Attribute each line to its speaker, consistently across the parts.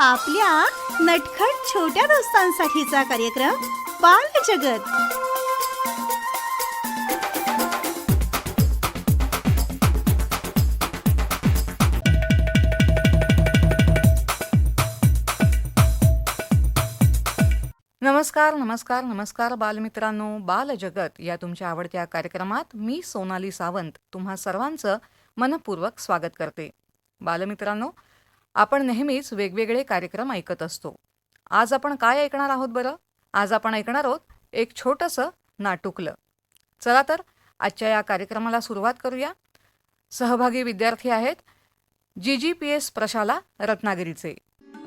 Speaker 1: आपल्या नटखट छोट्या दोस्तांसाठीचा कार्यक्रम बालजगत.
Speaker 2: नमस्कार नमस्कार नमस्कार बालमित्रांनो, बालजगत या तुमच्या आवडत्या कार्यक्रमात मी सोनाली सावंत तुम्हा सर्वांचं मनपूर्वक स्वागत करते. बालमित्रांनो, आपण नेहमीच वेगवेगळे कार्यक्रम ऐकत असतो. आज आपण काय ऐकणार आहोत बरं? आज आपण ऐकणार आहोत एक छोटंसं नाटुकलं. चला तर आजच्या या कार्यक्रमाला सुरुवात करूया. सहभागी विद्यार्थी आहेत GGPS प्रशाला रत्नागिरीचे.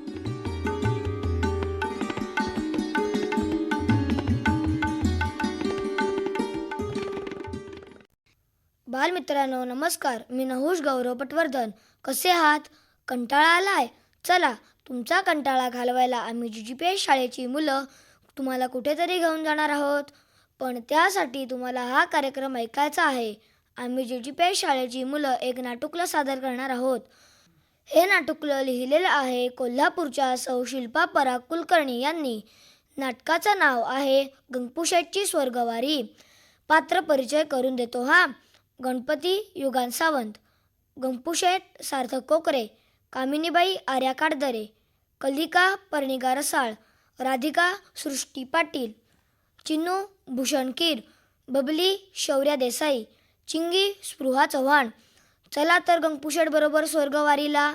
Speaker 3: बालमित्रांनो नमस्कार. मी नहुष गौरव पटवर्धन. कसे आहात? कंटाळा आलाय? चला, तुमचा कंटाळा घालवायला आम्ही GGPS शाळेची मुलं तुम्हाला कुठेतरी घेऊन जाणार आहोत. पण त्यासाठी तुम्हाला हा कार्यक्रम ऐकायचा आहे. आम्ही GGPS शाळेची मुलं एक नाटुकलं सादर करणार आहोत. हे नाटुकलं लिहिलेलं आहे कोल्हापूरच्या सौ शिल्पा पराग कुलकर्णी यांनी. नाटकाचं नाव आहे गंगपूशेठची स्वर्गवारी. पात्र परिचय करून देतो हा. गणपती युगान सावंत, गंगपूशेठ सार्थक कोकरे, कामिनीबाई आर्या काडदरे, कलिका पर्णिका रसाळ, राधिका सृष्टी पाटील, चिन्नू भूषण कीर, बबली शौर्या देसाई, चिंगी स्पृहा चव्हाण. चला तर गंगपूशेठ बरोबर स्वर्गवारीला.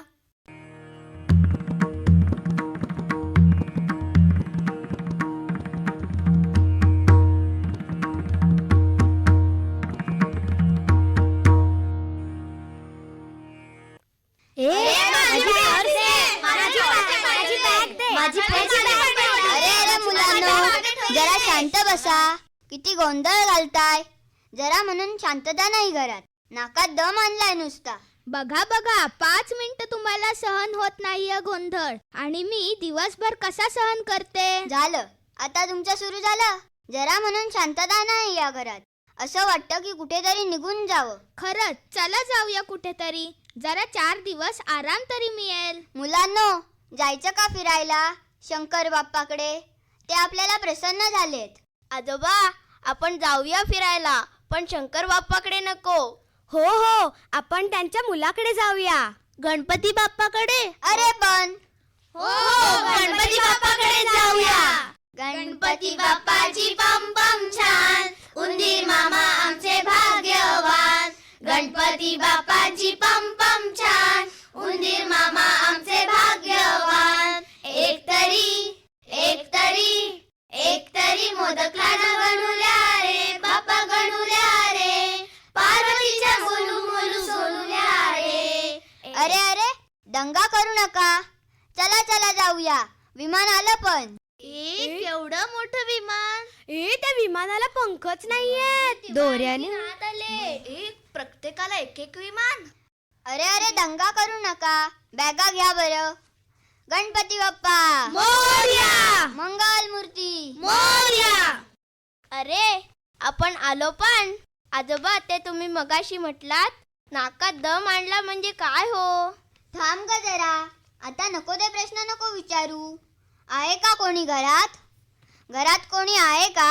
Speaker 4: अरे मुलांनो, जरा शांत बसा. किती गोंधळ घालताय. जरा म्हणून शांतता नाही घरात. नाकात दम आणलाय नुसता.
Speaker 5: बघा 5 मिनिटं तुम्हाला सहन होत नाहीये गोंधळ, आणि मी दिवसभर कसा सहन करते.
Speaker 4: झालं, आता तुमचं सुरू झालं. जरा म्हणून शांतता नाही या घरात. असं वाटतं की कुठेतरी निघून जावं.
Speaker 5: खरंच, चला जाऊया कुठेतरी. जरा 4 दिवस आराम तरी मिळेल.
Speaker 4: मुलांनो, जायचं का फिरायला शंकर बाप्पाकडे? ते आपल्याला प्रसन्न झालेत.
Speaker 5: आजोबा, आपण जाऊया फिरायला, पण शंकर बाप्पाकडे नको. हो, आपण त्यांच्या मुलाकडे जाऊया, गणपती बाप्पाकडे.
Speaker 4: अरे पण
Speaker 5: हो, गणपती बाप्पाकडे जाऊया.
Speaker 4: गणपती बाप्पाची पम पम छान, उंदीर मामा आमचे भाग्यवान. गणपती बाप्पाची पम पम छान, उंदीर मामा आमचे भाग्यवान. एक तरी मोदक लाडू गणुल्या रे, बाप्पा गणुल्या रे, पार्वतीच्या बोलू बोलू सोनुल्या रे. अरे दंगा करू नका. चला जाऊया. विमान आलं पण.
Speaker 5: केवढं मोठं विमान. त्या विमानाला पंखच नाहीयेत. दोऱ्याने हात आले. प्रत्येकाला एक विमान.
Speaker 4: अरे दंगा करू नका. बॅगा घ्या बरं. गणपती बाप्पा
Speaker 5: मोरया.
Speaker 4: मंगल मूर्ती
Speaker 5: मोरया. अरे, आपण आलो पण. आजोबा, ते तुम्ही मगाशी म्हटलात नाकात दम आणला म्हणजे काय हो?
Speaker 4: थांब ग जरा. आता नको ते प्रश्न नको विचारू. आहे का कोणी घरात? घरात कोणी आहे का?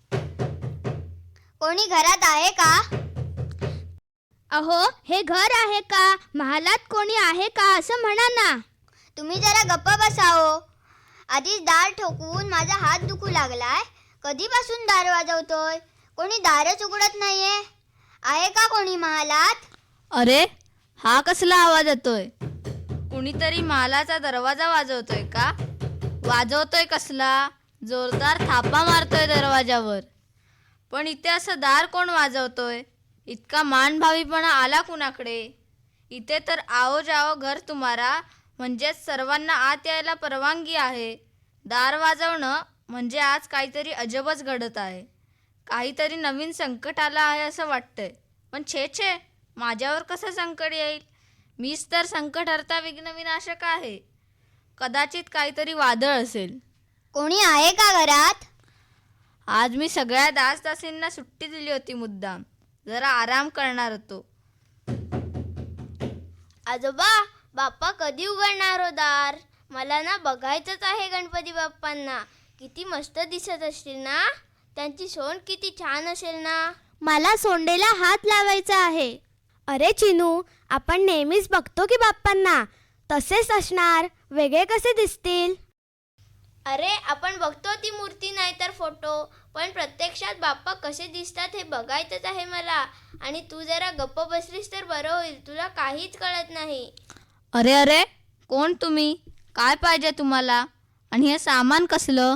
Speaker 4: कोणी घरात आहे का?
Speaker 5: अहो, हे घर आहे का? महालात कोणी आहे का असं म्हणा ना.
Speaker 4: तुम्ही जरा गप्प बसाओ. आधीच दार ठोकून माझा हात दुखू लागलाय. कधीपासून दार वाजवतोय? कोणी दारच उघडत नाहीये. आहे का कोणी महालात?
Speaker 5: अरे, हा कसला आवाज येतोय?
Speaker 6: कुणीतरी महालाचा दरवाजा वाजवतोय का? वाजवतोय कसला? जोरदार थापा मारतोय दरवाजावर. पण इथे असं दार कोण वाजवतोय? इतका मानभावीपणा आला कुणाकडे? इथे तर आओ जाओ घर तुम्हारा, म्हणजेच सर्वांना आत यायला परवानगी आहे. दार वाजवणं म्हणजे आज काहीतरी अजबच घडत आहे. काहीतरी नवीन संकट आलं आहे असं वाटतंय. पण छे, माझ्यावर कसं संकट येईल? मीच तर संकटहर्ता विघ्नविनाशक आहे. कदाचित काहीतरी वादळ असेल.
Speaker 4: कोणी आहे का घरात?
Speaker 6: आज मी सगळ्या दासदासींना सुट्टी दिली होती मुद्दाम. जरा आराम करणार होतो.
Speaker 5: आजोबा, बाप्पा कधी उघडणार हो दार? मला ना बघायचंच आहे गणपती बाप्पांना. किती मस्त दिसत असतील ना. त्यांची सोंड किती छान असेल ना.
Speaker 4: मला सोंडेला हात लावायचा आहे. अरे चिनू, आपण नेहमीच बघतो की बाप्पांना, तसेच असणार, वेगळे कसे दिसतील?
Speaker 5: अरे आपण बघतो ती मूर्ती नाही तर फोटो, पण प्रत्यक्षात बाप्पा कसे दिसतात हे बघायचंच आहे मला. आणि तू जरा गप्प बसलीस तर बरं होईल. तुला काहीच कळत नाही.
Speaker 6: अरे अरे, कोण तुम्ही? काय पाहिजे तुम्हाला? आणि हे सामान कसलं?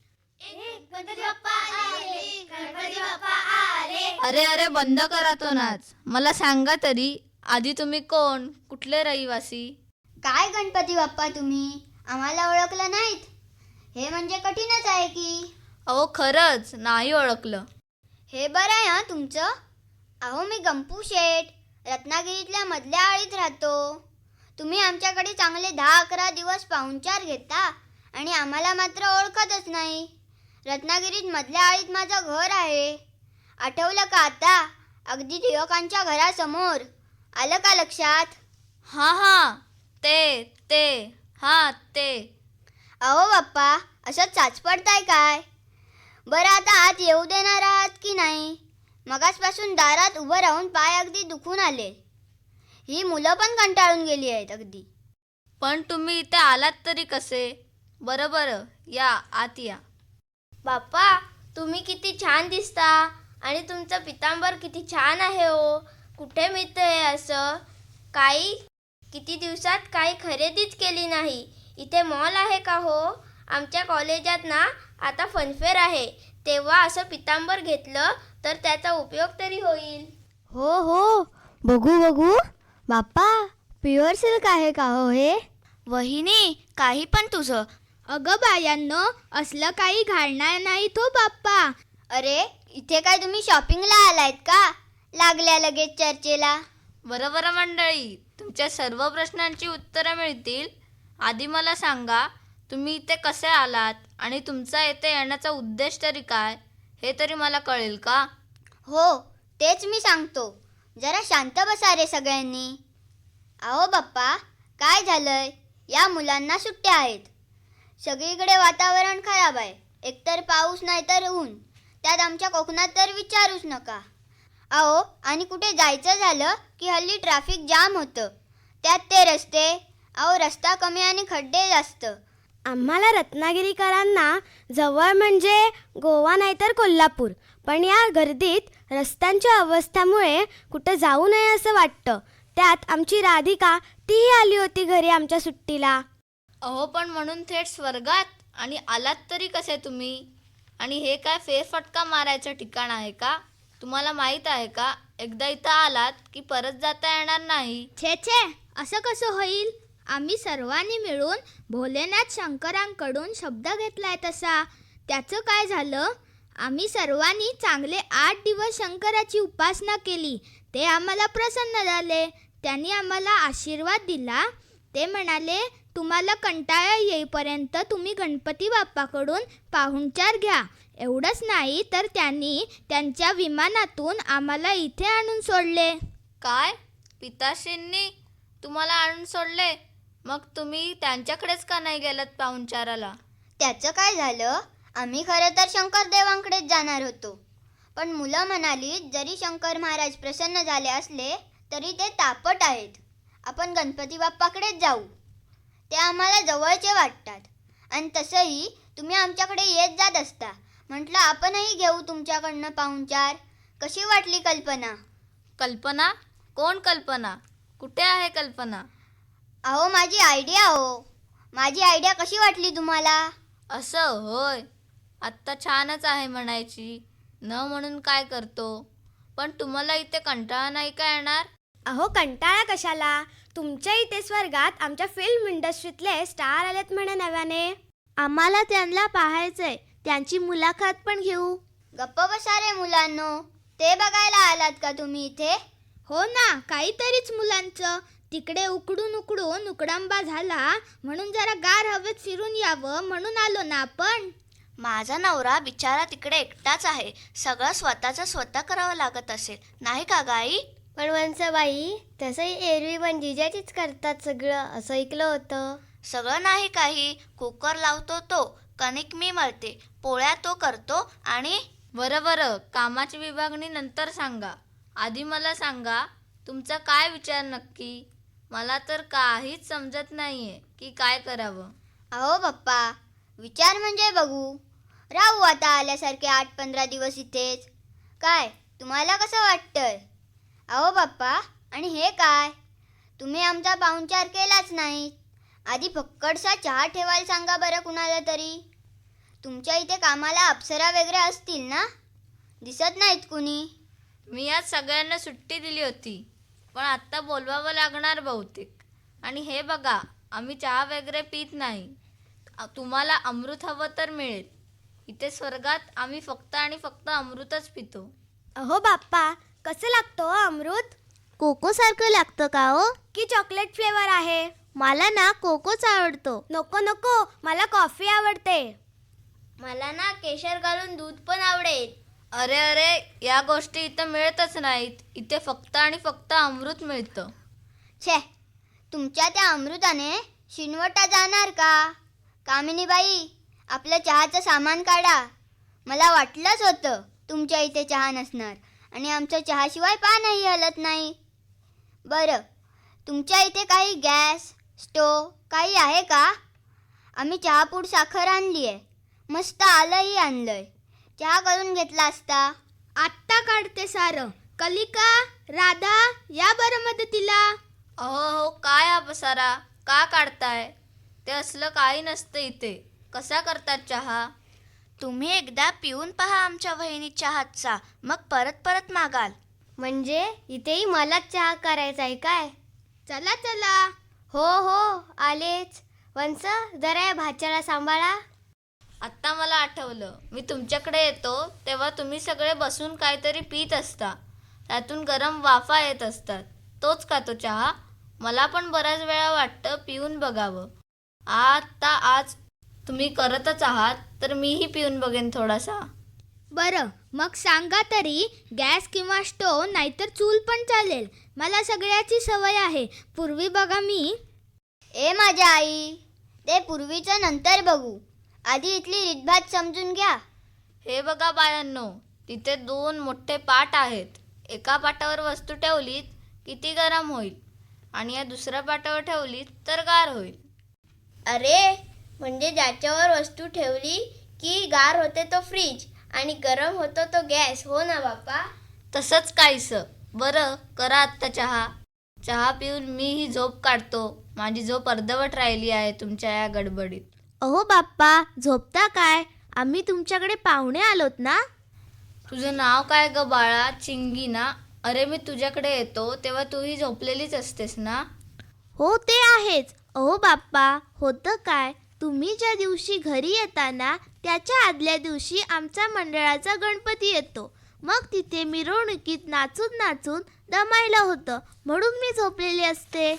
Speaker 6: अरे अरे, बंद करा तो नाच. मला सांगा तरी आधी तुम्ही कोण, कुठले रहिवासी?
Speaker 4: काय गणपती बाप्पा तुम्ही आम्हाला ओळखलं नाहीत? हे म्हणजे कठीणच आहे की.
Speaker 6: अहो खरंच नाही ओळखलं.
Speaker 4: हे बरं आहे हा तुमचं. अहो मी गंपू शेठ, रत्नागिरीतल्या मधल्या आळीत राहतो. तुम्ही आमच्याकडे चांगले 10-11 दिवस पाहुणचार घेता आणि आम्हाला मात्र ओळखतच नाही. रत्नागिरीत मधल्या आळीत माझं घर आहे. आठवलं का आता? अगदी टिळकांच्या घरासमोर. आलं का लक्षात?
Speaker 6: हां, ते
Speaker 4: अहो बाप्पा, असं चाचपडताय काय? बरं आता आत येऊ देणार आहात की नाही? मगासपासून दारात उभं राहून पाय अगदी दुखून आले. ही मुलं पण कंटाळून गेली आहेत अगदी.
Speaker 6: पण तुम्ही इथे आलात तरी कसे? बरं, या आत या.
Speaker 5: बाप्पा, तुम्ही किती छान दिसता. आणि तुमचं पितांबर किती छान आहे हो. कुठे मिळतं हे असं? किती दिवसात काही खरेदीच केली नाही. इथे मॉल आहे का हो? आमच्या कॉलेजात ना आता फनफेअर आहे. तेव्हा असं पितांबर घेतलं तर त्याचा उपयोग तरी होईल.
Speaker 3: हो, बघू. बाप्पा, प्युअर सिल्क आहे का हो हे?
Speaker 5: वहिनी, काही पण तुझं.
Speaker 4: अगं बायांनो, असलं काही घालणार नाही तो बाप्पा. अरे, इथे काय तुम्ही शॉपिंगला आलायत का? लागल्या लगेच चर्चेला.
Speaker 6: बरं मंडळी, तुमच्या सर्व प्रश्नांची उत्तरं मिळतील. आधी मला सांगा, तुम्ही इथे कसे आलात आणि तुमचा इथे येण्याचा उद्देश तरी काय, हे तरी मला कळेल का?
Speaker 4: हो, तेच मी सांगतो. जरा शांत बसा रे सगळ्यांनी. अहो बाप्पा, काय झालंय? या मुलांना सुट्ट्या आहेत. सगळीकडे वातावरण खराब आहे. एकतर पाऊस नाही तर ऊन. त्यात आमच्या कोकणात तर विचारूच नका. अहो, आणि कुठे जायचं झालं की हल्ली ट्रॅफिक जाम होतं. त्यात ते रस्ते. अहो, रस्ता कमी आणि खड्डे जास्त.
Speaker 3: आम्हाला रत्नागिरीकरांना जवळ म्हणजे गोवा नाहीतर कोल्हापूर, पण या गर्दीत रस्त्यांच्या अवस्थेमुळे कुठं जाऊ नये असं वाटतं. त्यात आमची राधिका तीही आली होती घरी आमच्या सुट्टीला.
Speaker 6: अहो, पण म्हणून थेट स्वर्गात आणि आलात तरी कसे तुम्ही? आणि हे काय फेरफटका मारायचं ठिकाण आहे का? तुम्हाला माहीत आहे का, एकदा इथं आलात की परत जाता येणार नाही.
Speaker 4: छे, असं कसं होईल? आम्ही सर्वांनी मिळून भोलेनाथ शंकरांकडून शब्द घेतलाय तसा. त्याचं काय झालं? आम्ही सर्वांनी चांगले 8 दिवस शंकराची उपासना केली. ते आम्हाला प्रसन्न झाले. त्यांनी आम्हाला आशीर्वाद दिला. ते म्हणाले, तुम्हाला कंटाळा येईपर्यंत तुम्ही गणपती बाप्पाकडून पाहुणचार घ्या. एवढंच नाही तर त्यांनी त्यांच्या विमानातून आम्हाला इथे आणून सोडले.
Speaker 6: काय? पिताश्रींनी तुम्हाला आणून सोडले? मग तुम्ही त्यांच्याकडेच का नाही गेलात पाहुणचाराला?
Speaker 4: त्याचं काय झालं? आम्ही खरं तर शंकर देवांकडेच जाणार होतो. पण मुलं म्हणाली, जरी शंकर महाराज प्रसन्न झाले असले तरी ते तापट आहेत. आपण गणपती बाप्पाकडेच जाऊ. ते आम्हाला जवळचे वाटतात. आणि तसंही तुम्ही आमच्याकडे येत जात असता. म्हटलं आपणही घेऊ तुमच्याकडनं पाहुणचार. कशी वाटली कल्पना?
Speaker 6: कल्पना? कोण कल्पना? कुठे आहे कल्पना?
Speaker 4: अहो, माझी आयडिया हो. माझी आयडिया कशी वाटली तुम्हाला?
Speaker 6: असं होय. आत्ता छानच आहे म्हणायची. न म्हणून काय करतो. पण तुम्हाला इथे कंटाळा नाही का येणार?
Speaker 3: अहो, कंटाळा कशाला? तुमच्या इथे स्वर्गात आमच्या फिल्म इंडस्ट्रीतले स्टार आलेत म्हणे नव्याने. आम्हाला त्यांना पाहायचंय. त्यांची मुलाखत पण घेऊ.
Speaker 4: गप्प बसा रे मुलांनो. ते बघायला आलात का तुम्ही इथे?
Speaker 7: हो ना, काहीतरीच मुलांचं. तिकडे उकडून उकडांबा झाला म्हणून जरा गार हवेत फिरून यावं म्हणून आलो ना आपण.
Speaker 5: माझा नवरा बिचारा तिकडे एकटाच आहे. सगळं स्वतः करावं लागत असेल, नाही का गाई?
Speaker 3: पण वंसबाई, तसंही एरवी पण जिजाचीच करतात सगळं असं ऐकलं होतं.
Speaker 4: सगळं नाही काही. कुकर लावतो तो, कणिक मी मळते, पोळ्या तो करतो आणि
Speaker 6: बरं बरं, कामाची विभागणी नंतर सांगा. आधी मला सांगा, तुमचा काय विचार नक्की? मला तर काहीच समजत नाहीये की काय करावं.
Speaker 4: अहो पप्पा, विचार म्हणजे बघू. राहू आता आल्यासारखे 8-15 दिवस इथेच. काय तुम्हाला कसं वाटतंय? अहो पप्पा, आणि हे काय? तुम्ही आमचा पाहुणचार केलाच नाही. आधी फक्कडसा चहा ठेवायला सांगा बरं कुणाला तरी. तुमच्या इथे कामाला अप्सरा वगैरे असतील ना? दिसत नाहीत कुणी.
Speaker 6: मी आज सगळ्यांना सुट्टी दिली होती, पण आत्ता बोलवावं लागणार बहुतेक. आणि हे बघा, आम्ही चहा वगैरे पित नाही. तुम्हाला अमृत हवं तर मिळेल. इथे स्वर्गात आम्ही फक्त आणि फक्त अमृतच पितो.
Speaker 3: अहो बाप्पा, कसं लागतं अमृत? कोको सारखं लागतं का हो, की चॉकलेट फ्लेवर आहे? मला ना कोकोच आवडतो. नको नको, मला कॉफी आवडते.
Speaker 5: मला ना केशर घालून दूध पण आवडेल.
Speaker 6: अरे अरे, या गोष्टी इथं मिळतच नाहीत. इथे फक्त आणि फक्त अमृत मिळतं.
Speaker 4: छे, तुमच्या त्या अमृताने शिनवटा जाणार का? कामिनीबाई, आपलं चहाचं सामान काढा. मला वाटलंच होतं तुमच्या इथे चहा नसणार आणि आमचं चहाशिवाय पानही हलत नाही. बरं, तुमच्या इथे काही गॅस, स्टोव काही आहे का? आम्ही चहापूड साखर आणली आहे, मस्त आलंही आणलंय. चहा करून घेतला असता.
Speaker 7: आत्ता काढते सारं. कलिका, राधा, या बरं मदतीला.
Speaker 6: अहो काय हा पसारा का काढताय? ते असलं काही नसतं इथे. कसा करतात चहा?
Speaker 4: तुम्ही एकदा पिऊन पहा आमच्या वहिनीच्या हातचा, मग परत परत मागाल.
Speaker 3: म्हणजे इथेही मलाच चहा करायचा आहे काय?
Speaker 7: चला चला.
Speaker 3: हो हो, आलेच. वंस, जरा या भाच्याला सांभाळा.
Speaker 6: आत्ता मला आठवलं, मी तुमच्याकडे येतो तेव्हा तुम्ही सगळे बसून काहीतरी पीत असता. त्यातून गरम वाफा येत असतात. तोच का तो चहा? मला पण बऱ्याच वेळा वाटतं पिऊन बघावं. आता आज तुम्ही करतच आहात तर मीही पिऊन बघेन थोडासा.
Speaker 7: बरं, मग सांगा तरी, गॅस किंवा स्टोव नाहीतर चूल पण चालेल. मला सगळ्याची सवय आहे. पूर्वी बघा मी.
Speaker 4: ए माझ्या आई, ते पूर्वीचं नंतर बघू. आधी इथली रीतभात समजून घ्या.
Speaker 6: हे बघा बायांनो, तिथे 2 मोठे पाट आहेत. एका पाटावर वस्तू ठेवलीत की ती गरम होईल आणि या दुसऱ्या पाटावर ठेवलीत तर गार होईल.
Speaker 5: अरे, म्हणजे ज्याच्यावर वस्तू ठेवली की गार होते तो फ्रीज आणि गरम होतो तो गॅस, हो ना बाप्पा?
Speaker 6: तसंच काहीसं. बरं, करा आत्ता चहा. चहा पिऊन मीही झोप काढतो. माझी झोप अर्धवट राहिली आहे तुमच्या या गडबडीत.
Speaker 3: अहो बाप्पा, झोपता काय? आम्ही तुमच्याकडे पाहुणे आलोत ना.
Speaker 6: तुझं नाव काय ग बाळा? चिंगी ना? अरे मी तुझ्याकडे येतो तेव्हा तूही झोपलेलीच असतेस ना?
Speaker 3: हो, ते आहेच. अहो बाप्पा, होतं काय, तुम्ही ज्या दिवशी घरी येता ना, त्याच्या आदल्या दिवशी आमचा मंडळाचा गणपती येतो. मग तिथे मिरवणुकीत नाचून नाचून दमायला होतं, म्हणून मी झोपलेली असते.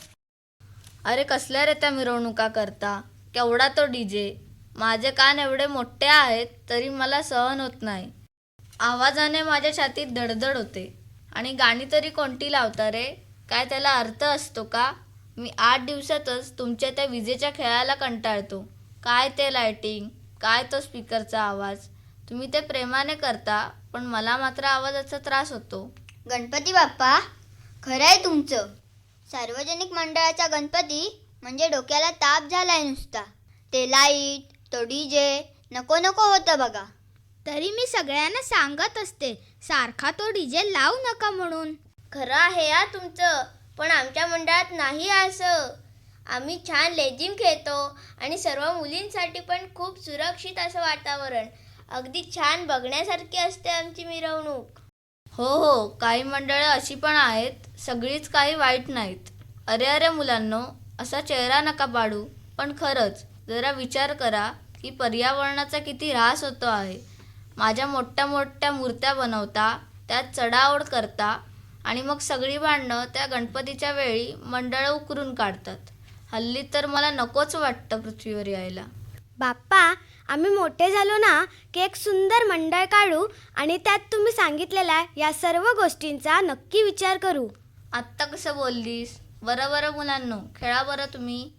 Speaker 6: अरे कसल्या रे त्या मिरवणुका करता? केवढा तो डीजे? माझे कान एवढे मोठे आहेत तरी मला सहन होत नाही. आवाजाने माझ्या छातीत धडधड होते. आणि गाणी तरी कोणती लावता रे? काय त्याला अर्थ असतो का? मी 8 दिवसातच तुमच्या त्या विजेच्या खेळाला कंटाळतो. काय ते लायटिंग, काय तो स्पीकरचा आवाज. तुम्ही ते प्रेमाने करता, पण मला मात्र आवाजाचा त्रास होतो.
Speaker 4: गणपती बाप्पा, खरं आहे तुमचं. सार्वजनिक मंडळाचा गणपती म्हणजे डोक्याला ताप झालाय नुसता. ते लाईट, तो डीजे नको नको होतं बघा.
Speaker 7: तरी मी सगळ्यांना सांगत असते, सारखा तो डीजे लावू नका म्हणून.
Speaker 5: खरं आहे या तुमचं, पण आमच्या मंडळात नाही असं. आम्ही छान लेझिम खेळतो आणि सर्व मुलींसाठी पण खूप सुरक्षित असं वातावरण. अगदी छान बघण्यासारखी असते आमची मिरवणूक.
Speaker 6: हो हो, काही मंडळं अशी पण आहेत. सगळीच काही वाईट नाहीत. अरे अरे मुलांनो, असा चेहरा नका पाडू. पण खरंच जरा विचार करा की पर्यावरणाचा किती ऱ्हास होतो आहे. माझ्या मोठ्या मोठ्या मूर्त्या बनवता, त्यात चढाओढ करता आणि मग सगळी भांडणं त्या गणपतीच्या वेळी मंडळं उकरून काढतात. हल्ली तर मला नकोच वाटतं पृथ्वीवर यायला.
Speaker 3: बाप्पा, आम्ही मोठे झालो ना की एक सुंदर मंडळ काढू आणि त्यात तुम्ही सांगितलेल्या या सर्व गोष्टींचा नक्की विचार करू.
Speaker 6: आत्ता कसं बोललीस? बरं बरं मुलांनो, खेळा बरं तुम्ही.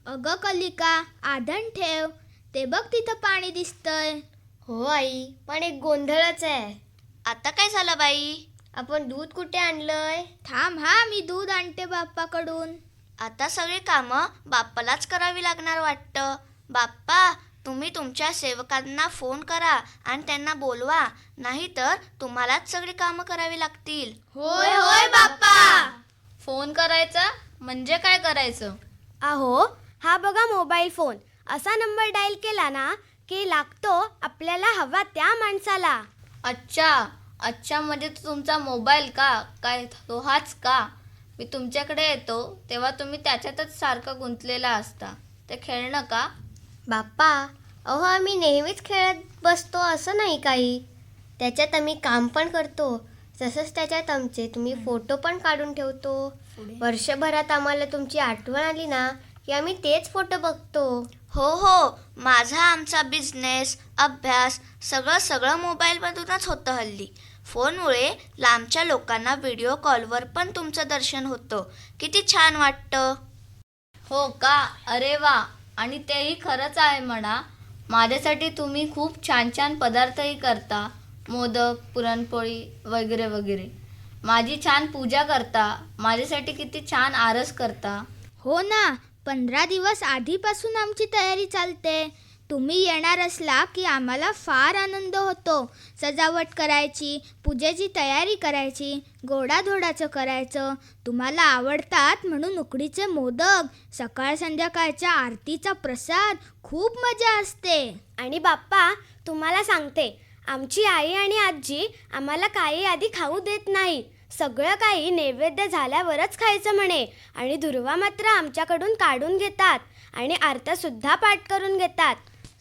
Speaker 7: अगं कलिका, आधण ठेव. ते बघ तिथं पाणी दिसतंय.
Speaker 4: हो आई, पण एक गोंधळच आहे. आता काय झालं बाई? आपण दूध कुठे आणलंय?
Speaker 7: थांब हा, मी दूध आणते बाप्पाकडून.
Speaker 4: आता सगळी कामं बाप्पालाच करावी लागणार वाटतं. बाप्पा, तुम्ही तुमच्या सेवकांना फोन करा आणि त्यांना बोलवा, नाहीतर तुम्हालाच सगळी कामं करावी लागतील.
Speaker 5: होय होय बाप्पा.
Speaker 6: फोन करायचा म्हणजे काय करायचं?
Speaker 3: अहो, हा बघा मोबाईल फोन. असा नंबर डायल केला ना की लागतो आपल्याला हवा त्या माणसाला.
Speaker 6: अच्छा म्हणजे तो तुमचा मोबाईल का? काय तो हाच का? मी तुमच्याकडे येतो तेव्हा तुम्ही त्याच्यातच सारखं गुंतलेला असता. ते खेळणं का?
Speaker 4: बाप्पा, अहो आम्ही नेहमीच खेळत बसतो असं नाही काही. त्याच्यात आम्ही काम पण करतो, तसंच त्याच्यात आमचे तुम्ही फोटो पण काढून ठेवतो. वर्षभरात आम्हाला तुमची आठवण आली ना की आम्ही तेच फोटो बघतो. हो, माझा आमचा बिझनेस, अभ्यास सगळं मोबाईलमधूनच होतं हल्ली. फोनमुळे लांबच्या लोकांना व्हिडिओ कॉलवर पण तुमचं दर्शन होतं. किती छान वाटतं.
Speaker 6: हो का? अरे वा. आणि तेही खरंच आहे म्हणा. माझ्यासाठी तुम्ही खूप छान छान पदार्थही करता. मोदक, पुरणपोळी वगैरे वगैरे. माझी छान पूजा करता. माझ्यासाठी किती छान आरस करता.
Speaker 7: हो ना, 15 दिवस आधीपासून आमची तयारी चालते. तुम्ही येणार असला की आम्हाला फार आनंद होतो. सजावट करायची, पूजेची तयारी करायची, गोडाधोडाचं करायचं. तुम्हाला आवडतात म्हणून उकडीचे मोदक, सकाळ संध्याकाळच्या आरतीचा प्रसाद, खूप मजा असते.
Speaker 3: आणि बाप्पा, तुम्हाला सांगते, आमची आई आणि आजी आम्हाला काही आधी खाऊ देत नाही. सगळं काही नैवेद्य झाल्यावरच खायचं म्हणे. आणि दुर्वा मात्र आमच्याकडून काढून घेतात आणि आरत्यासुद्धा पाठ करून घेतात.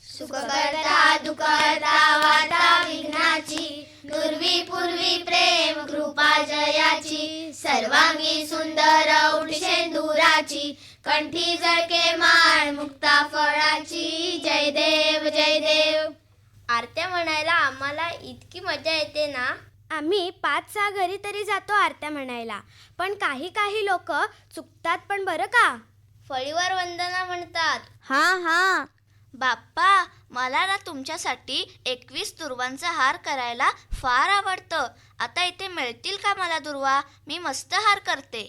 Speaker 5: सुखकर्ता दुःखहर्ता वार्ता विघ्नाची, दुर्वी पूर्वी प्रेम कृपा जयाची, सर्वांगी सुंदर उठशेंदुराची, कंठी जळके माळ मुक्ता फळाची. जय देव जय देव. आरत्या म्हणायला आम्हाला इतकी मजा येते ना.
Speaker 3: आम्ही 5-6 घरी तरी जातो आरत्या म्हणायला. पण काही लोक चुकतात पण बरं का.
Speaker 5: फळीवर वंदना म्हणतात.
Speaker 3: हा.
Speaker 4: बाप्पा, मला ना तुमच्यासाठी 21 दुर्वांचा हार करायला फार आवडतं. आता इथे मिळतील का मला दुर्वा? मी मस्त हार करते.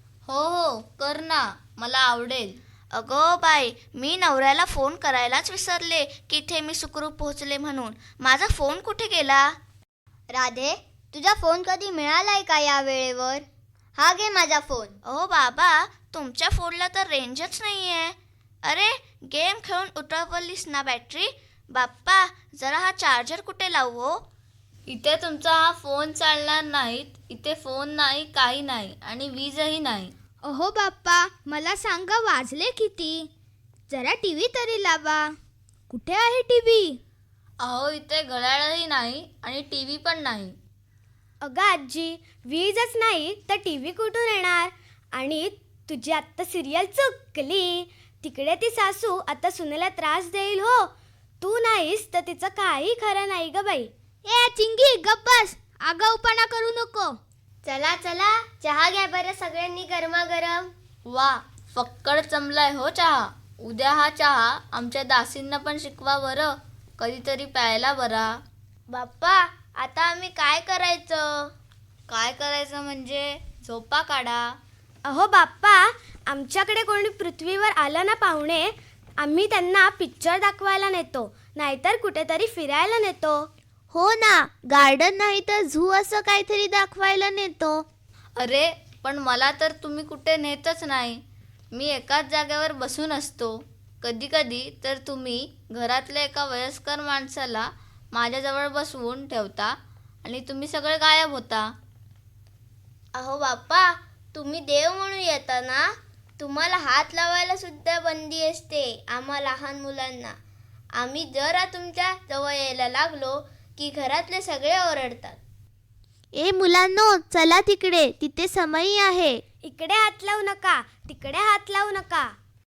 Speaker 6: हो कर ना, मला आवडेल.
Speaker 4: अगो बाई, मी नवऱ्याला फोन करायलाच विसरले की इथे मी सुखरूप पोहोचले म्हणून. माझा फोन कुठे गेला?
Speaker 5: राधे, तुझा फोन कधी मिळालाय का या वेळेवर? हा घे माझा फोन.
Speaker 4: अहो बाबा, तुमच्या फोनला तर रेंजच नाही आहे. अरे, गेम खेळून उतरवलीस ना बॅटरी? बाप्पा, जरा हा चार्जर कुठे लावू हो?
Speaker 6: इथे तुमचा हा फोन चालणार नाहीत. इथे फोन नाही, काही नाही आणि वीजही नाही.
Speaker 7: अहो बाप्पा, मला सांगा वाजले किती? जरा टी व्ही तरी लावा. कुठे आहे टी व्ही?
Speaker 6: अहो, इथे घड्याळही नाही आणि टी व्ही पण नाही.
Speaker 3: अगं आजी, वीजच नाही तर टी व्ही कुठून येणार? आणि तुझी आत्ता सिरियल चुकली. तिकडे ती सासू आता सुनेला त्रास देईल हो. तू नाहीस तर तिचं काही खरं नाही ग बाई.
Speaker 7: ए चिंगी, गप्प बस. आगाऊपणा करू नको.
Speaker 5: चला चहा घ्या बरं सगळ्यांनी गरमागरम.
Speaker 6: वा, फक्कड जमलाय हो चहा. उद्या हा चहा आमच्या दासींना पण शिकवा बरं. कधीतरी प्यायला बरा.
Speaker 5: बाप्पा, आता आम्ही काय करायचं?
Speaker 6: काय करायचं म्हणजे झोपा काढा.
Speaker 3: अहो बाप्पा, आमच्याकडे कोणी पृथ्वीवर आलं ना पाहुणे, आम्ही त्यांना पिक्चर दाखवायला नेतो, नाहीतर कुठेतरी फिरायला नेतो.
Speaker 7: हो ना, गार्डन नाही तर झू असं काहीतरी दाखवायला नेतो.
Speaker 6: अरे, पण मला तर तुम्ही कुठे नेतच नाही. मी एकाच जागेवर बसून असतो. कधी कधी तर तुम्ही घरातल्या एका वयस्कर माणसाला माझ्याजवळ बसवून ठेवता आणि तुम्ही सगळे गायब होता.
Speaker 5: अहो बाप्पा, तुम्ही देव म्हणून येता ना. तुम्हाला हात लावायला सुद्धा बंदी असते आम्हा लहान मुलांना. आम्ही जरा तुमच्या जवळ यायला लागलो की घरातले सगळे ओरडतात.
Speaker 7: ए मुलांनो, चला तिकडे, तिथे समई आहे.
Speaker 3: इकडे हात लावू नका, तिकडे हात लावू नका.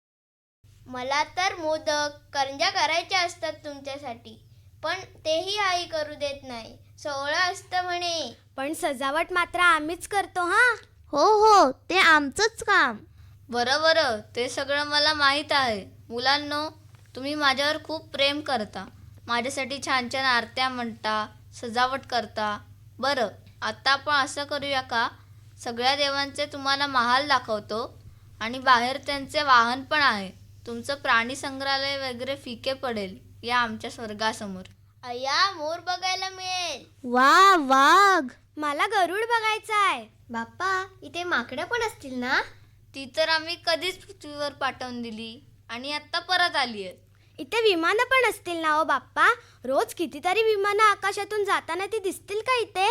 Speaker 5: मला तर मोदक करंज्या करायच्या असतात तुमच्यासाठी, पण तेही आई करू देत नाही. सोहळं असतं म्हणे.
Speaker 3: पण सजावट मात्र आम्हीच करतो हा.
Speaker 7: हो, ते आमचंच काम.
Speaker 6: बरं बरं, ते सगळं मला माहीत आहे. मुलांनो, तुम्ही माझ्यावर खूप प्रेम करता. माझ्यासाठी छान छान आरत्या म्हणता, सजावट करता. बरं, आता आपण असं करूया का, सगळ्या देवांचे तुम्हाला महाल दाखवतो आणि बाहेर त्यांचे वाहन पण आहे. तुमचं प्राणी संग्रहालय वगैरे फिके पडेल या आमच्या स्वर्गासमोर.
Speaker 5: अय्या, मोर बघायला मिळेल.
Speaker 7: वा वाघ.
Speaker 3: मला गरुड बघायचा आहे.
Speaker 4: बाप्पा, इथे माकडं पण असतील ना?
Speaker 6: ती तर आम्ही कधीच पृथ्वीवर पाठवून दिली आणि आत्ता परत आली आहेत.
Speaker 3: इथे विमानं पण असतील ना हो बाप्पा? रोज कितीतरी विमानं आकाशातून जाताना ती दिसतील का इथे?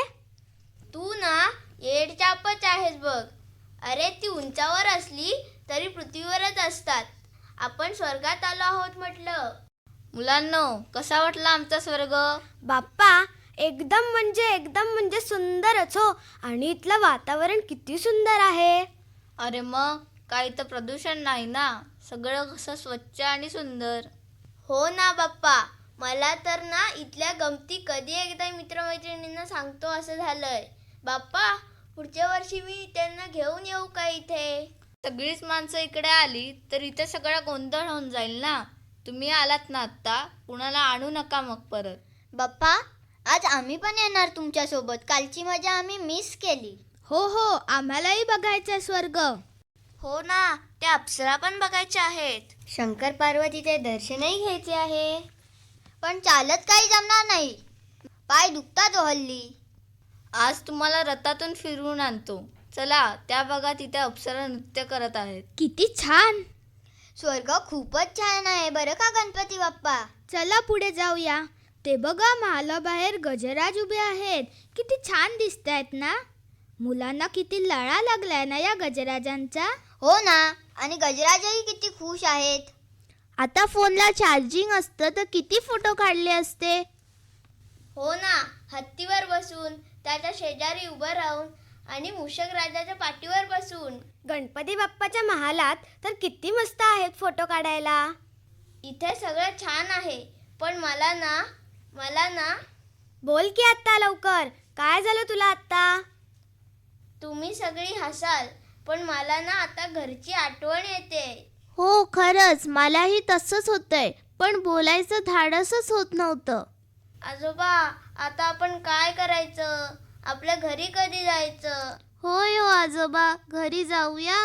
Speaker 5: तू ना येडचापच आहेस बघ. अरे, ती उंचावर असली तरी पृथ्वीवरच असतात. आपण स्वर्गात आलो आहोत म्हटलं.
Speaker 6: मुलांनो, कसा वाटला आमचा स्वर्ग?
Speaker 3: बाप्पा, एकदम म्हणजे सुंदरच हो. आणि इथलं वातावरण किती सुंदर आहे.
Speaker 6: अरे मग, काही तर प्रदूषण नाही ना. सगळं कसं स्वच्छ आणि सुंदर.
Speaker 5: हो ना बाप्पा, मला तर ना इथल्या गमती कधी एकदा मित्रमैत्रिणींना सांगतो असं झालंय. बाप्पा, पुढच्या वर्षी मी त्यांना घेऊन येऊ का इथे?
Speaker 6: सगळीच माणसं इकडे आली तर इथे सगळा गोंधळ होऊन जाईल ना. तुम्ही आलात ना आत्ता, कुणाला आणू नका मग परत.
Speaker 4: बाप्पा, आज आम्ही पण येणार तुमच्यासोबत. कालची मजा आम्ही मिस केली.
Speaker 7: हो हो, आम्हालाही बघायचा स्वर्ग.
Speaker 5: हो ना, त्या अप्सरा पण बघायच्या आहेत.
Speaker 4: शंकर पार्वतीचे दर्शनही घ्यायचे आहे. पण चालत काही जमणार नाही, पाय दुखतात हो हल्ली.
Speaker 6: आज तुम्हाला रथातून फिरवून आणतो. चला, त्या बघा तिथे अप्सरा नृत्य करत आहेत.
Speaker 7: किती छान.
Speaker 4: स्वर्ग खूपच छान आहे बरं का गणपती बाप्पा.
Speaker 7: चला पुढे जाऊया. ते बघा, महालाबाहेर गजराज उभे आहेत. किती छान दिसत आहेत ना. मुलांना किती लळा लागलाय ना या गजराजांचा.
Speaker 4: हो ना, आणि गजराजही किती खुश आहेत.
Speaker 7: आता फोनला चार्जिंग असतं तर किती फोटो काढले असते.
Speaker 5: हो ना, हत्तीवर बसून, त्याच्या शेजारी उभं राहून आणि मूषक राजाच्या पाठीवर बसून.
Speaker 3: गणपती बाप्पाच्या महालात तर किती मस्त आहेत फोटो काढायला.
Speaker 5: इथे सगळं छान आहे, पण मला ना
Speaker 3: बोल की आत्ता लवकर, काय झालं तुला आत्ता?
Speaker 5: तुम्ही सगळी हसाल, पण मला ना आता घरची आठवण येते.
Speaker 7: हो, खरंच मलाही तसंच होतंय, पण बोलायचं धाडसच होत नव्हतं.
Speaker 5: आजोबा, आता आपण काय करायचं? आपल्या घरी कधी जायचं?
Speaker 7: होय हो आजोबा, घरी जाऊया.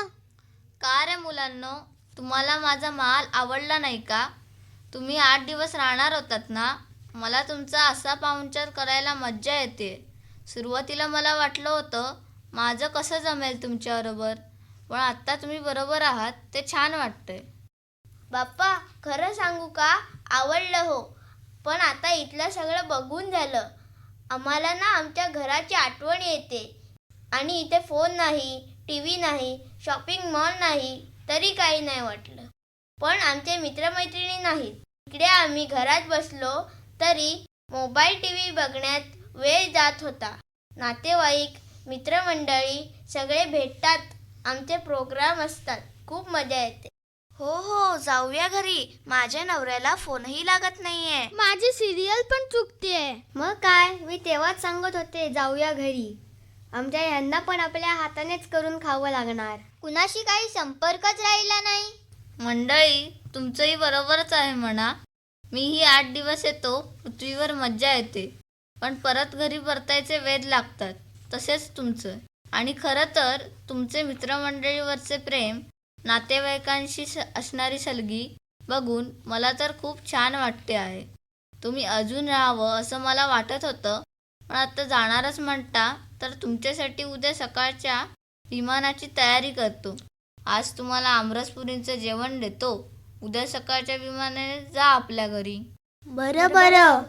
Speaker 6: का रे मुलांनो, तुम्हाला माझा महाल आवडला नाही का? तुम्ही 8 दिवस राहणार होतात ना. मला तुमचा असा पाहुणचार करायला मज्जा येते. सुरुवातीला मला वाटलं होतं माझं कसं जमेल तुमच्याबरोबर, पण आत्ता तुम्ही बरोबर आहात ते छान वाटतंय.
Speaker 5: बाप्पा, खरं सांगू का, आवडलं हो. पण आता इथलं सगळं बघून झालं. आम्हाला ना आमच्या घराची आठवण येते. आणि इथे फोन नाही, टी व्ही नाही, शॉपिंग मॉल नाही, तरी काही नाही वाटलं. पण आमचे मित्रमैत्रिणी नाहीत. इकडे आम्ही घरात बसलो तरी मोबाईल टी व्ही बघण्यात वेळ जात होता. नातेवाईक, मित्रमंडळी सगळे भेटतात. आमचे प्रोग्राम असतात. खूप मजा येते. हो, जाऊया घरी. माझ्या नवऱ्याला फोनही लागत नाहीये.
Speaker 7: माझी सिरियल पण चुकतेय.
Speaker 4: मग काय, मी तेव्हाच सांगत होते जाऊया घरी. आमच्या यांना पण आपल्या हातानेच करून खावं लागणार. कुणाशी काही संपर्कच राहिला नाही.
Speaker 6: मंडळी, तुमचंही बरोबरच आहे म्हणा. मीही 8 दिवस येतो, पृथ्वीवर मज्जा येते, पण परत घरी परतायचे वेध लागतात. तसेच तुमचं. आणि खरं तर तुमचे मित्रमंडळीवरचे प्रेम, नातेवाईकांशी असणारी सलगी बघून मला तर खूप छान वाटते आहे. तुम्ही अजून राहावं असं मला वाटत होतं, पण आता जाणारच म्हणता तर तुमच्यासाठी उद्या सकाळच्या विमानाची तयारी करतो. आज तुम्हाला आमरसपुरींचं जेवण देतो. उद्या सकाळच्या विमानाने जा आपल्या घरी.
Speaker 7: बरं बरं.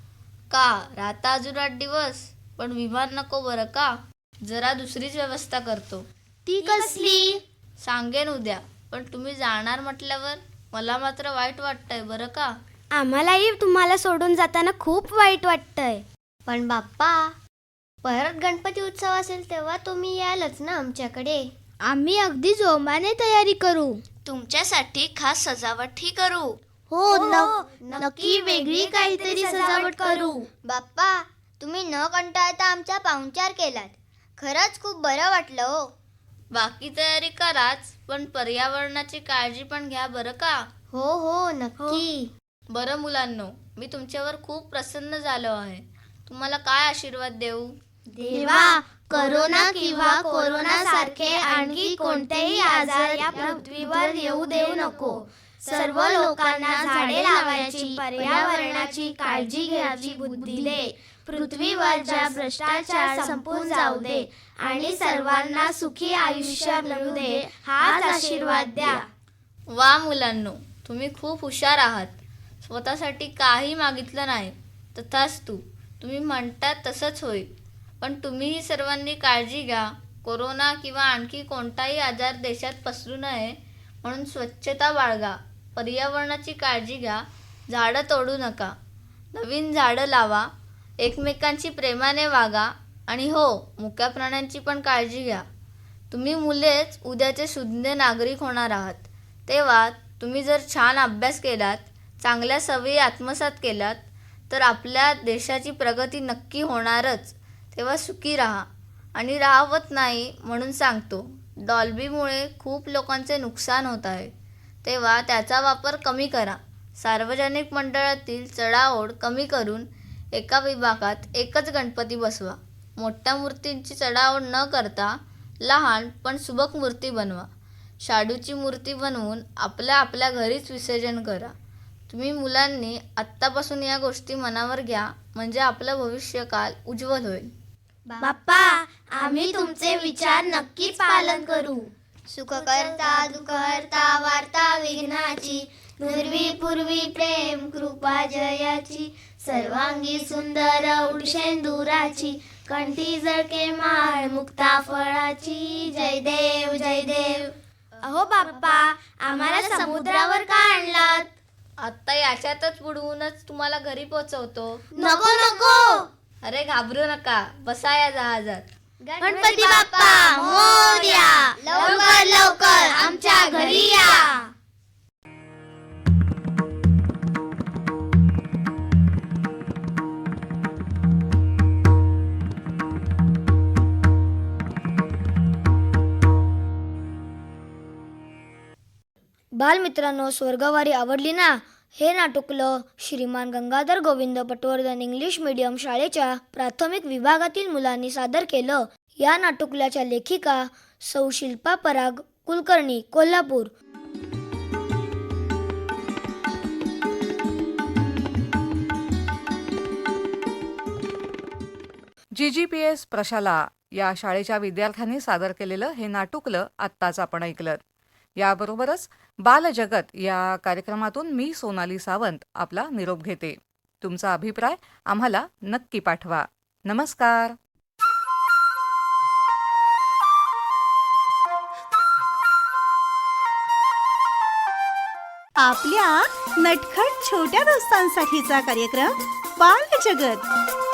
Speaker 6: का राहता अजून 8 दिवस? पण विमान नको बरं का. जरा दुसरीच व्यवस्था करतो.
Speaker 7: ती कसली?
Speaker 6: सांगेन उद्या. पण तुम्ही जाणार म्हटल्यावर मला मात्र वाईट वाटतंय बरं का.
Speaker 3: आम्हालाही तुम्हाला सोडून जाताना खूप वाईट वाटतंय.
Speaker 4: पण बाप्पा, परत गणपती उत्सव असेल तेव्हा तुम्ही यालच ना आमच्याकडे.
Speaker 7: आम्ही अगदी जोमाने तयारी करू.
Speaker 5: तुमच्यासाठी खास सजावटही करू.
Speaker 7: हो, नक्की वेगळी काहीतरी सजावट करू.
Speaker 4: बाप्पा, तुम्ही न कंटाळता आमचा पाहुणचार केलात. खरंच खूप बरं वाटलं हो.
Speaker 6: बाकी तयारी कराच, पण पर्यावरणाची काळजी पण घ्या बरं का.
Speaker 4: हो हो नक्की.
Speaker 6: बरं मुलांनो, मी तुमच्यावर खूप प्रसन्न झालो आहे. तुम्हाला काय आशीर्वाद देऊ?
Speaker 4: देवा, करोना किंवा कोरोना सारखे आणखी कोणतेही आजार या पृथ्वीवर येऊ देऊ नको. सर्व लोकांना झाडे लावायची, पर्यावरणाची काळजी घ्यायची बुद्धी दे. पृथ्वीवरचा भ्रष्टाचार संपून जाऊ दे आणि सर्वांना सुखी आयुष्य मिळू दे, हाच आशीर्वाद द्या.
Speaker 6: वा मुलांनो, तुम्ही खूप हुशार आहात. स्वतःसाठी काही मागितलं नाही. तथास्तु, तुम्ही म्हणतात तसंच होईल. पण तुम्हीही सर्वांनी काळजी घ्या. कोरोना किंवा आणखी कोणताही आजार देशात पसरू नये म्हणून स्वच्छता बाळगा, पर्यावरणाची काळजी घ्या, झाडं तोडू नका, नवीन झाडं लावा, एकमेकांशी प्रेमाने वागा आणि हो, मुक्या प्राण्यांची पण काळजी घ्या. तुम्ही मुलेच उद्याचे सुज्ञ नागरिक होणार आहात. तेव्हा तुम्ही जर छान अभ्यास केलात, चांगल्या सवयी आत्मसात केलात, तर आपल्या देशाची प्रगती नक्की होणारच. तेव्हा सुखी राहा. आणि राहवत नाही म्हणून सांगतो, डॉल्बीमुळे खूप लोकांचे नुकसान होत आहे. तेव्हा त्याचा वापर कमी करा. सार्वजनिक मंडळातील चढाओढ कमी करून एका विभागात एकच गणपती बसवा. मोठ्या मूर्तींची चढाओढ न करता लहान पण सुबक मूर्ती बनवा. शाडूची मूर्ती बनवून आपल्या घरीच विसर्जन करा. तुम्ही मुलांनी आत्तापासून या गोष्टी मनावर घ्या, म्हणजे आपलं भविष्यकाल उज्ज्वल होईल.
Speaker 4: बाप्पा, आम्ही तुमचे विचार नक्कीच पालन करू. सुखकर्ता दुःखहर्ता वार्ता विघ्नाची, पूर्वी पूर्वी प्रेम कृपा जयाची, सर्वांगी सुंदर उडशेंदुराची, कंठी जळके माळ मुक्ता फळाची. जय देव जय देव. अहो बाप्पा, आम्हाला समुद्रावर का आणलात?
Speaker 6: आत्ता याच्यातच बुडवूनच तुम्हाला घरी पोचवतो.
Speaker 4: नको नको.
Speaker 6: अरे घाबरू नका, बसा या जहाजात.
Speaker 4: गणपती बाप्पा मोरया. लवकर लवकर आमच्या घरी या.
Speaker 3: बालमित्रांनो, स्वर्गवारी आवडली ना? हे नाटुकलं श्रीमान गंगाधर गोविंद पटवर्धन इंग्लिश मीडियम शाळेच्या प्राथमिक विभागातील मुलांनी सादर केलं. या नाटुकल्याच्या लेखिका सौ शिल्पा पराग, कुलकर्णी, कोल्हापूर.
Speaker 2: GGPS प्रशाला या शाळेच्या विद्यार्थ्यांनी सादर केलेलं हे नाटुकलं आत्ताच आपण ऐकलं. याबरोबरच बालजगत या कार्यक्रमातून मी सोनाली सावंत आपला निरोप घेते. तुमचा अभिप्राय आम्हाला नक्की पाठवा. नमस्कार.
Speaker 1: आपल्या नटखट छोट्या दोस्तांसाठीचा कार्यक्रम बालजगत.